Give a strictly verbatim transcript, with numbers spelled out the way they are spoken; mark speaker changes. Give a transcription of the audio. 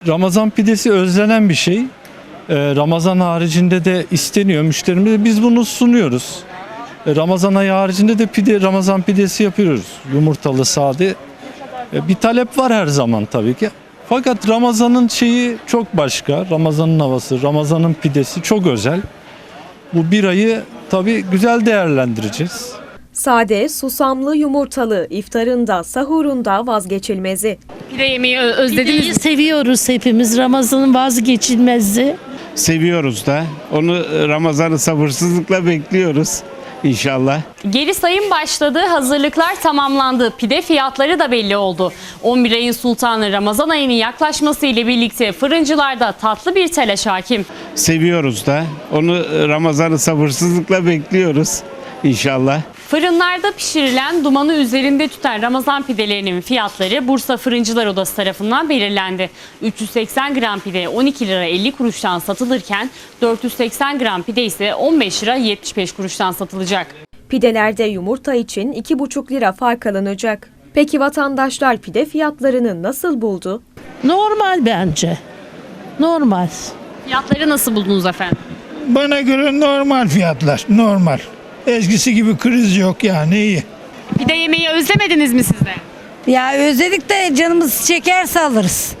Speaker 1: Ramazan pidesi özlenen bir şey. Ee, Ramazan haricinde de isteniyor müşterimize. Biz bunu sunuyoruz. Ee, Ramazan ayı haricinde de pide, Ramazan pidesi yapıyoruz. Yumurtalı, sade. Ee, bir talep var her zaman tabii ki. Fakat Ramazan'ın şeyi çok başka. Ramazan'ın havası, Ramazan'ın pidesi çok özel. Bu bir ayı tabii güzel değerlendireceğiz.
Speaker 2: Sade, susamlı, yumurtalı, iftarında, sahurunda vazgeçilmezi.
Speaker 3: Pide yemeği ö- özlediniz
Speaker 4: Pideyi
Speaker 3: mi?
Speaker 4: seviyoruz hepimiz. Ramazan'ın vazgeçilmezi.
Speaker 5: Seviyoruz da. Onu Ramazan'ı sabırsızlıkla bekliyoruz inşallah.
Speaker 3: Geri sayım başladı, hazırlıklar tamamlandı. Pide fiyatları da belli oldu. on bir ayın sultanı Ramazan ayının yaklaşması ile birlikte fırıncılarda tatlı bir telaş hakim.
Speaker 5: Seviyoruz da. Onu Ramazan'ı sabırsızlıkla bekliyoruz inşallah.
Speaker 3: Fırınlarda pişirilen, dumanı üzerinde tüten Ramazan pidelerinin fiyatları Bursa Fırıncılar Odası tarafından belirlendi. üç yüz seksen gram pide on iki lira elli kuruştan satılırken dört yüz seksen gram pide ise on beş lira yetmiş beş kuruştan satılacak.
Speaker 2: Pidelerde yumurta için iki buçuk lira fark alınacak. Peki vatandaşlar pide fiyatlarını nasıl buldu?
Speaker 4: Normal bence. Normal.
Speaker 3: Fiyatları nasıl buldunuz efendim?
Speaker 6: Bana göre normal fiyatlar, normal. Eskisi gibi kriz yok yani iyi.
Speaker 3: Pide yemeği özlemediniz mi siz de?
Speaker 7: Ya özledik de canımız çekerse alırız.